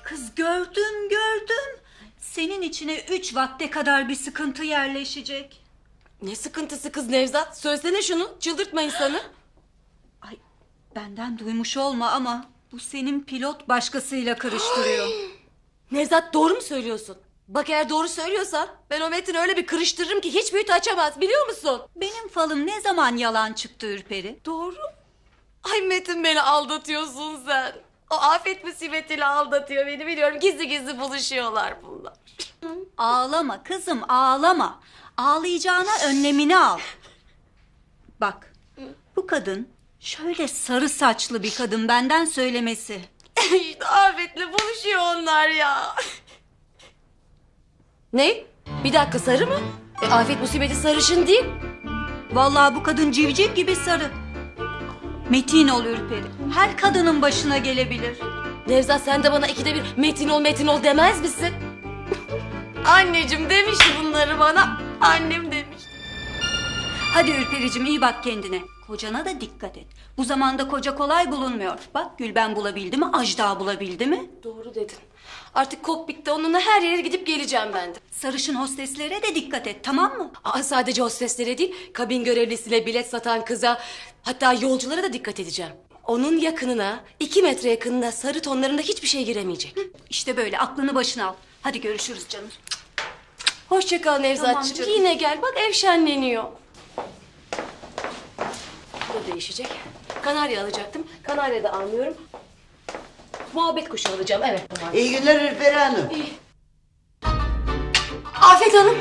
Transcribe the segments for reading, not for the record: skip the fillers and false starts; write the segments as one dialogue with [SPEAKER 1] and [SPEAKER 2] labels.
[SPEAKER 1] Kız gördüm. Senin içine 3 vakte kadar bir sıkıntı yerleşecek.
[SPEAKER 2] Ne sıkıntısı kız Nevzat? Söylesene şunu. Çıldırtma insanı.
[SPEAKER 1] Ay, benden duymuş olma ama bu senin pilot başkasıyla karıştırıyor.
[SPEAKER 2] Nevzat doğru mu söylüyorsun? Bak eğer doğru söylüyorsan ben o Metin'i öyle bir kırıştırırım ki hiç büyüt açamaz biliyor musun?
[SPEAKER 1] Benim falım ne zaman yalan çıktı Ürperi?
[SPEAKER 2] Doğru. Ay Metin beni aldatıyorsun sen. O afet musibetiyle aldatıyor beni biliyorum. Gizli gizli buluşuyorlar bunlar.
[SPEAKER 1] Ağlama kızım, ağlama. Ağlayacağına önlemini al. Bak, bu kadın şöyle sarı saçlı bir kadın, benden söylemesi.
[SPEAKER 2] İşte afetle buluşuyor onlar ya. Ne? Bir dakika sarı mı? Afet musibeti sarışın değil.
[SPEAKER 1] Vallahi bu kadın civciv gibi sarı. Metin ol Ürperi. Her kadının başına gelebilir.
[SPEAKER 2] Nevzat sen de bana ikide bir Metin ol demez misin? Anneciğim demişti bunları bana. Annem demiş.
[SPEAKER 1] Hadi Ürpericim, iyi bak kendine. Kocana da dikkat et. Bu zamanda koca kolay bulunmuyor. Bak Gülben bulabildi mi, Ajda bulabildi mi?
[SPEAKER 2] Doğru dedin. Artık kokpitte onunla her yere gidip geleceğim ben de.
[SPEAKER 1] Sarışın hosteslere de dikkat et, tamam mı?
[SPEAKER 2] Sadece hosteslere değil, kabin görevlisine bilet satan kıza, hatta yolculara da dikkat edeceğim. Onun yakınına, 2 metre yakınına sarı tonlarında hiçbir şey giremeyecek.
[SPEAKER 1] İşte böyle, aklını başına al. Hadi görüşürüz canım.
[SPEAKER 2] Hoşça kal Nevzatçığım.
[SPEAKER 1] Tamam canım.
[SPEAKER 2] Yine gel, bak ev şenleniyor. Bu da değişecek. Kanarya alacaktım. Kanarya da almıyorum. Muhabbet kuşu alacağım, evet.
[SPEAKER 3] İyi günler Ürperi Hanım.
[SPEAKER 2] Afet Hanım.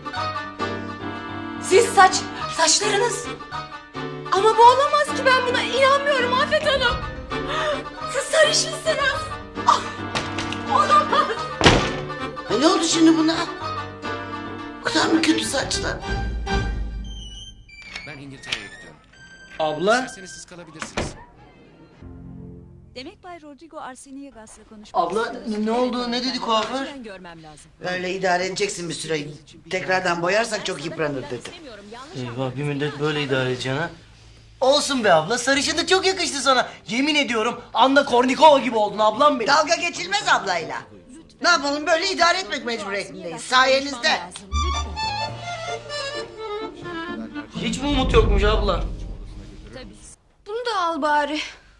[SPEAKER 2] Siz saçlarınız. Ama bu olamaz ki, ben buna inanmıyorum Afet Hanım. Siz sarışınsınız. Ah, olamaz.
[SPEAKER 3] Ne oldu şimdi buna? O kadar mı kötü saçlar?
[SPEAKER 4] Ben İngiltere'ye gidiyorum.
[SPEAKER 5] Abla?
[SPEAKER 4] İsterseniz siz kalabilirsiniz.
[SPEAKER 6] Demek Bay Rodrigo Arseniegas'la konuşmak
[SPEAKER 5] Abla
[SPEAKER 6] istiyorsun.
[SPEAKER 5] ne oldu? Ne dedi kuaför?
[SPEAKER 6] Ben görmem lazım.
[SPEAKER 3] Böyle idare edeceksin bir süre. Tekrardan boyarsak çok yıpranır dedi.
[SPEAKER 6] İstemiyorum, yanlış
[SPEAKER 5] Eyvah bir müddet böyle idare edeceksin ha. Olsun be abla, sarışınlık çok yakıştı sana. Yemin ediyorum Anna Kournikova gibi oldun ablam benim.
[SPEAKER 3] Dalga geçilmez ablayla. Ne yapalım, böyle idare etmek mecburiyetindeyiz. Sayenizde.
[SPEAKER 6] lazım. Lütfen.
[SPEAKER 5] Hiç mi umut yokmuş abla?
[SPEAKER 2] Bunu da al bari.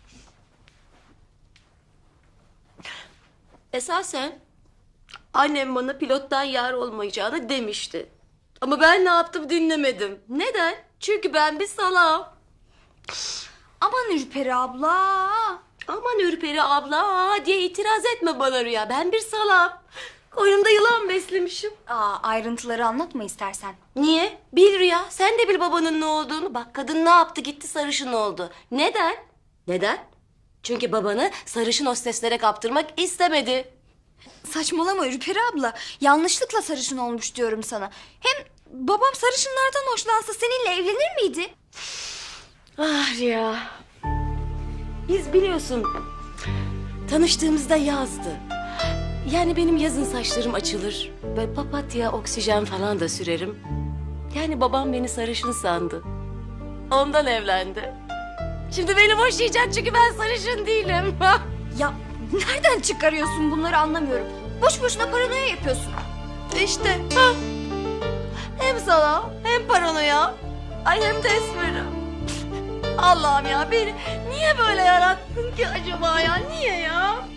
[SPEAKER 2] Esasen annem bana pilottan yar olmayacağını demişti. Ama ben ne yaptım dinlemedim. Neden? Çünkü ben bir salağım.
[SPEAKER 7] Aman Ürperi abla.
[SPEAKER 2] Aman Ürperi abla diye itiraz etme bana Rüya. Ben bir salağım. Koynumda yılan beslemişim.
[SPEAKER 7] Ayrıntıları anlatma istersen.
[SPEAKER 2] Niye? Bil Rüya. Sen de bil babanın ne olduğunu. Bak kadın ne yaptı gitti sarışın oldu. Neden? Neden? Çünkü babanı sarışın hosteslere kaptırmak istemedi.
[SPEAKER 7] Saçmalama Ürperi abla. Yanlışlıkla sarışın olmuş diyorum sana. Hem babam sarışınlardan hoşlansa seninle evlenir miydi?
[SPEAKER 2] Ah Rüya. Biz biliyorsun tanıştığımızda yazdı. Yani benim yazın saçlarım açılır. Böyle papatya, oksijen falan da sürerim. Yani babam beni sarışın sandı. Ondan evlendi. Şimdi beni boşayacak çünkü ben sarışın değilim.
[SPEAKER 7] Ya nereden çıkarıyorsun bunları anlamıyorum. Boş boşuna paranoya yapıyorsun.
[SPEAKER 2] İşte. Ha. Hem sana hem paranoya. Ay hem de esmerim. Allah'ım ya beni niye böyle yarattın ki acaba ya? Niye ya?